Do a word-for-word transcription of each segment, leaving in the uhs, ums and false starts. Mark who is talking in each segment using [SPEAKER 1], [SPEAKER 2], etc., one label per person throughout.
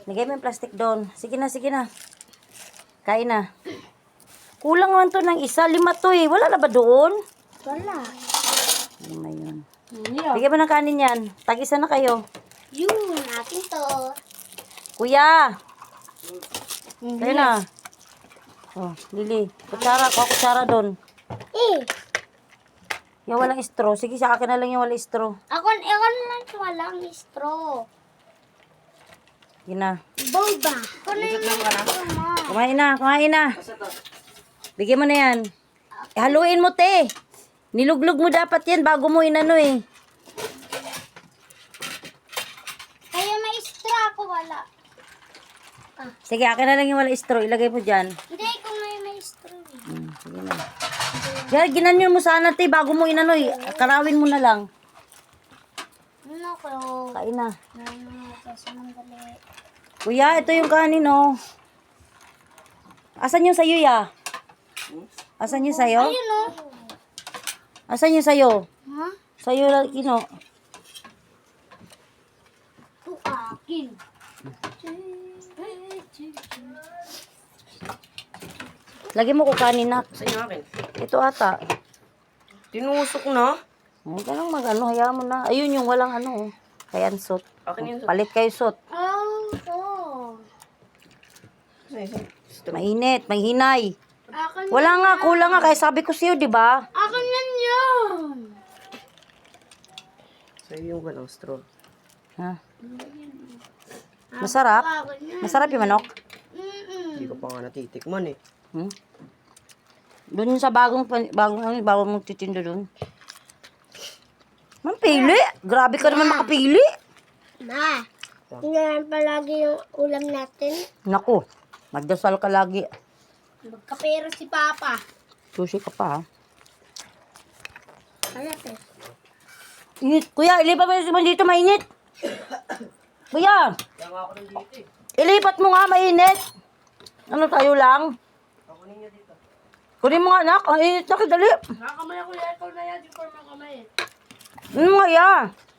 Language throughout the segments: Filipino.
[SPEAKER 1] Lagay mo yung plastic doon. Sige na, sige na. Kain na. Kulang naman to ng isa. Lima to eh. Wala na ba doon?
[SPEAKER 2] Wala.
[SPEAKER 1] Lima yun.
[SPEAKER 2] Yeah.
[SPEAKER 1] Bigyan mo ng kanin yan. Tag-isa na kayo.
[SPEAKER 2] Yun, akin to.
[SPEAKER 1] Kuya! Kayo na. Oh, Lili. Kutsara. Kuha kutsara doon.
[SPEAKER 2] Eh,
[SPEAKER 1] Yung walang straw. Sige, sa akin na lang yung walang straw.
[SPEAKER 2] ako, ako lang walang straw.
[SPEAKER 1] Sige na.
[SPEAKER 2] Boba. Ako na yung straw.
[SPEAKER 1] Kumain na, kumain na. Bigyan mo na yan. Eh, haluin mo, te. Niluglog mo dapat yan bago mo inano eh.
[SPEAKER 2] Kaya may straw ako, wala.
[SPEAKER 1] Sige, akin na lang yung walang straw. Ilagay mo dyan.
[SPEAKER 2] Hindi, kung may may straw. eh.
[SPEAKER 1] Hmm, sige na. Yan, ginanyan mo sana, te, bago mo inano eh. Karawin mo na lang.
[SPEAKER 2] Ano ko?
[SPEAKER 1] Kain na.
[SPEAKER 2] Ano ko? Sandali.
[SPEAKER 1] Kuya, ito yung kanin, oh. Asan yung sayo, ya? Asan yung sayo?
[SPEAKER 2] Ayun o.
[SPEAKER 1] Asan yung sayo?
[SPEAKER 2] Ha?
[SPEAKER 1] Sayo lang, kino.
[SPEAKER 2] Ito akin.
[SPEAKER 1] Lagi mo ko kanin, nak.
[SPEAKER 3] Saan yung akin?
[SPEAKER 1] Ito ata.
[SPEAKER 3] Tinusok na.
[SPEAKER 1] Huwag ka nang mag-ano, hayaan mo na. Ayun yung walang ano, oh. Kaya sot.
[SPEAKER 3] Akin yun.
[SPEAKER 1] Palit kayo sot.
[SPEAKER 2] Oh, ito.
[SPEAKER 1] Mainit, may hinay.
[SPEAKER 2] Akin
[SPEAKER 1] Wala nga, kulang nga. Kaya sabi ko sa'yo, di ba?
[SPEAKER 2] Akin yan yun.
[SPEAKER 3] Sa'yo yung walang straw.
[SPEAKER 1] Ha? Masarap?
[SPEAKER 2] Akin yan.
[SPEAKER 1] Masarap yung manok?
[SPEAKER 2] Mm-mm.
[SPEAKER 3] Hindi ko pa nga natitikman eh.
[SPEAKER 1] Hmm? Doon yung sa bagong, pan- bagong, ano, bagong mong titindo doon. Mampili. Grabe ka naman makapili.
[SPEAKER 2] Ma, tingnan palagi yung ulam natin.
[SPEAKER 1] Naku, magdasal ka lagi.
[SPEAKER 2] Magkapera si Papa.
[SPEAKER 1] Sushi ka pa, ha?
[SPEAKER 2] Ano to?
[SPEAKER 1] Init. Kuya, ilipat mo yung dito, mainit. Kuya,
[SPEAKER 3] Kaya nga ako nandito eh.
[SPEAKER 1] ilipat mo nga, mainit. Ano tayo lang?
[SPEAKER 3] Ako ninyo dito.
[SPEAKER 1] Kunin mo nga, anak. Ang init na, kadali.
[SPEAKER 2] Nakakamay ako yan. Ikaw na yan. Di ko makamay.
[SPEAKER 1] Ano nga, ya?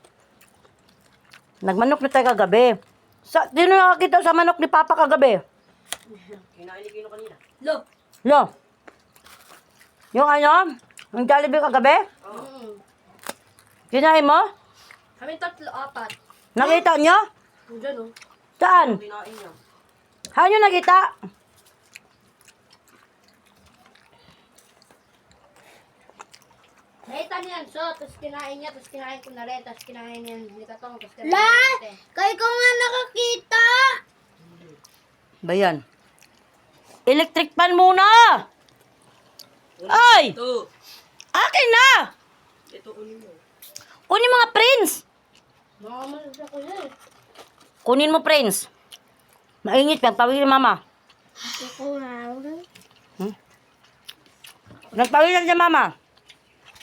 [SPEAKER 1] Nagmanok na tayo kagabi. Sa, sino nakakita sa manok ni Papa kagabi?
[SPEAKER 3] Kinain ni Kino kanina.
[SPEAKER 2] Lo.
[SPEAKER 1] Lo. Yung ano? Yung Jollibee kagabi?
[SPEAKER 2] Mm.
[SPEAKER 1] Kinain mo?
[SPEAKER 2] Kami tatlo, apat.
[SPEAKER 1] Nakita nyo?
[SPEAKER 2] Diyan o.
[SPEAKER 1] Saan?
[SPEAKER 3] Kinain niya.
[SPEAKER 1] Saan nyo nakita?
[SPEAKER 2] Nakita niya yan, so, tapos kinain niya, tapos kinain ko na rin, tapos kinain niya ni Katong, tapos kinain niya natin. Kaya ko nga nakakita!
[SPEAKER 1] Ba yan? Electric pan muna! Ay!
[SPEAKER 3] Ito.
[SPEAKER 1] Akin na!
[SPEAKER 3] Ito unin mo.
[SPEAKER 1] Kunin mga prince!
[SPEAKER 2] Nakamalas ako yan.
[SPEAKER 1] Kunin mo prince. Mainit yan, pawin ni mama.
[SPEAKER 2] Ako nga.
[SPEAKER 1] Nagpawin lang si mama.